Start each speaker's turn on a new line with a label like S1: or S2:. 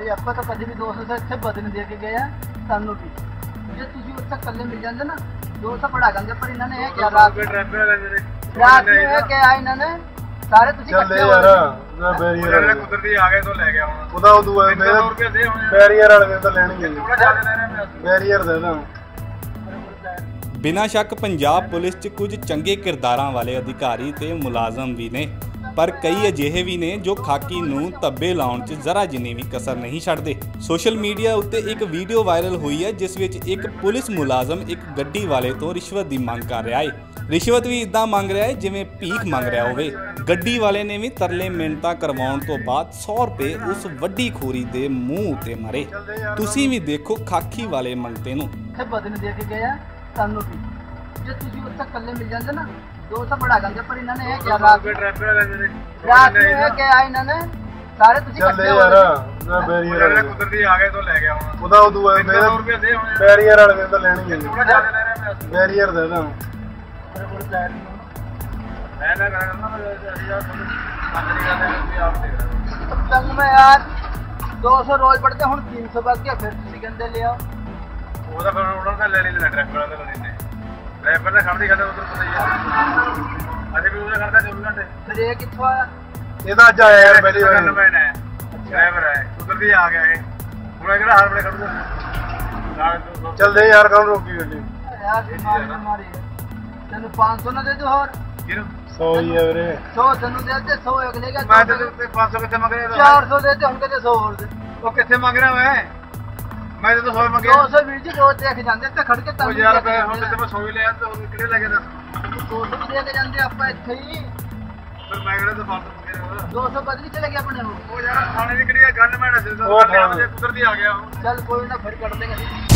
S1: ਭਾਈ ਆਪਾਂ ਤਾਂ ਕਦੇ ਵੀ 200 ਤੋਂ ਇੱਥੇ ਬਦਲ ਦੇ ਕੇ ਗਏ ਆ ਸਾਨੂੰ ਵੀ ਜੇ ਤੁਸੀਂ ਉੱਥੇ ਇਕੱਲੇ ਮਿਲ ਜਾਂਦੇ ਨਾ 200 ਪੜਾ ਜਾਂਦੇ ਪਰ ਇਹਨਾਂ ਨੇ ਇਹ ਕਿਹਾ ਰਾਤ ਨੂੰ ਇਹ ਕਿਹਾ ਇਹਨਾਂ ਨੇ ਸਾਰੇ ਤੁਸੀਂ ਇਕੱਠੇ ਹੋ
S2: ਯਾਰ ਬੈਰੀਅਰ
S3: ਕੁਦਰਤੀ ਆ ਗਏ ਤੋਂ ਲੈ ਗਿਆ ਹੁਣ
S2: ਉਹਦਾ ਉਦੋਂ ਬੈਰੀਅਰ ਵਾਲੇ ਤਾਂ ਲੈਣਗੇ ਬੈਰੀਅਰ ਦੇ ਨਾ।
S4: ਬਿਨਾਂ ਸ਼ੱਕ ਪੰਜਾਬ ਪੁਲਿਸ 'ਚ ਕੁਝ ਚੰਗੇ ਕਿਰਦਾਰਾਂ ਵਾਲੇ ਅਧਿਕਾਰੀ ਤੇ ਮੁਲਾਜ਼ਮ ਵੀ ਨੇ, ਪਰ ਕਈ ਅਜਿਹੇ ਵੀ ਨੇ ਜੋ ਖਾਕੀ ਨੂੰ ਧੱਬੇ ਲਾਉਣ 'ਚ ਜ਼ਰਾ ਜਿੰਨੀ ਵੀ ਕਸਰ ਨਹੀਂ ਛੱਡਦੇ। ਸੋਸ਼ਲ ਮੀਡੀਆ ਉੱਤੇ ਇੱਕ ਵੀਡੀਓ ਵਾਇਰਲ ਹੋਈ ਹੈ ਜਿਸ ਵਿੱਚ ਇੱਕ ਪੁਲਿਸ ਮੁਲਾਜ਼ਮ ਇੱਕ ਗੱਡੀ ਵਾਲੇ ਤੋਂ ਰਿਸ਼ਵਤ ਦੀ ਮੰਗ ਕਰ ਰਿਹਾ ਹੈ। ਰਿਸ਼ਵਤ ਵੀ ਇਦਾਂ ਮੰਗ ਰਿਹਾ ਹੈ ਜਿਵੇਂ ਭੀਖ ਮੰਗ ਰਿਹਾ ਹੋਵੇ। ਗੱਡੀ ਵਾਲੇ ਨੇ ਵੀ ਤਰਲੇ ਮਿੰਨਤਾਂ ਕਰਵਾਉਣ ਤੋਂ ਬਾਅਦ 100 ਰੁਪਏ ਉਸ ਵੱਡੀ ਖੋਰੀ ਦੇ ਮੂੰਹ ਉੱਤੇ ਮਾਰੇ। ਤੁਸੀਂ ਵੀ ਦੇਖੋ ਖਾਕੀ ਵਾਲੇ ਮੰਗਤੇ ਨੂੰ।
S1: ਇੱਥੇ ਬਦਲ ਦੇ ਕੇ ਗਏ ਆ ਸਾਨੂੰ ਵੀ ਜੇ ਤੁਸੀਂ ਉੱਥੇ ਇਕੱਲੇ ਮਿਲ ਜਾਂਦੇ ਨਾ 200 ਪੜਾ ਜਾਂਦੇ ਪਰ ਇਹਨਾਂ ਨੇ ਇਹ ਕਿਹਾ ਰਾਤ ਨੂੰ ਇਹ ਕਿਹਾ ਇਹਨਾਂ ਨੇ ਸਾਰੇ ਤੁਸੀਂ ਇਕੱਠੇ ਹੋ
S2: ਯਾਰ ਬੈਰੀਅਰ
S3: ਕੁਦਰਤੀ ਆ ਗਏ ਤੋਂ ਲੈ ਗਿਆ ਹੁਣ
S2: ਉਹਦਾ ਉਦੋਂ ਬੈਰੀਅਰ ਵਾਲੇ ਤਾਂ ਲੈਣਗੇ ਬੈਰੀਅਰ ਦੇ ਨਾ।
S1: में यार 200 रोज पड़ते हूँ 300 बच गया फिर तुम कहते ले आओ
S3: ਉਹਦਾ ਫਿਰ ਉਹਨਾਂ ਦਾ ਲੈ ਲੈਣਾ ਡਰਾਈਵਰ ਦਾ ਲੈ ਲੈਣੇ ਡਰਾਈਵਰ ਦਾ ਖੜਦੀ ਖੜਾ ਉਧਰ ਪਤਾ ਹੀ ਆ ਅਜੇ ਵੀ ਉਹਦਾ ਖੜਦਾ 24 ਘੰਟੇ
S1: फिर ये कित्थों आया
S2: ਇਹਦਾ ਅੱਜ ਆਇਆ ਯਾਰ ਪਹਿਲੀ ਵਾਰ
S3: ਡਰਾਈਵਰ ਹੈ ਉਧਰ ਦੀ ਆ ਗਿਆ ਇਹ ਹੁਣ ਕਿਹੜਾ ਹਰ ਵੇਲੇ ਖੜੂਗਾ
S2: ਚੱਲਦੇ ਯਾਰ ਕੌਣ ਰੋਕੀ ਗੱਡੀ
S1: यार बीमारी है तेन 500 ना दे दो और
S2: 100 ਹੀ ਹੈ ਵੀਰੇ
S1: 100 तेन दे दे 100 अगले का
S3: ਮੈਂ ਤੇ 500 ਕਿੱਥੇ ਮੰਗ ਰਿਹਾ
S1: 400 दे दे हम कहते 100 और दे
S3: ਉਹ ਕਿੱਥੇ ਮੰਗ ਰਿਹਾ ਮੈਂ ਤੇ 100 ਮੰਗਿਆ
S1: 200 ਵੀਰ ਜੀ ਰੋਜ਼ ਦੇਖ ਜਾਂਦੇ ਤੇ ਖੜ ਕੇ
S3: ਉਹ ਯਾਰ ਮੈਂ ਹੁਣ ਤੇ ਮੈਂ 100 ਹੀ ਲਿਆ ਤੇ ਹੁਣ ਕਿਹੜੇ ਲੈ ਕੇ ਦੱਸ
S1: 200 ਦੇ ਕੇ ਜਾਂਦੇ ਆਪਾਂ ਇੱਥੇ ਹੀ
S3: ਫਿਰ ਮੈਂ ਕਿਹੜਾ ਤਾਂ ਫਾਲਤੂ ਮੰਗਿਆ
S1: 200 ਬਦਲੀ ਚਲੇ ਗਿਆ ਆਪਣੇ
S3: ਉਹ ਯਾਰ ਥਾਣੇ ਦੀ ਕਿਹੜੀ ਗੱਲ ਮੈਂ ਦੱਸ ਦਿੰਦਾ ਕੁਦਰਤੀ ਆ ਗਿਆ
S1: ਚੱਲ ਕੋਈ ਨਾ ਫਿਰ ਕੱਢ ਦੇਗਾ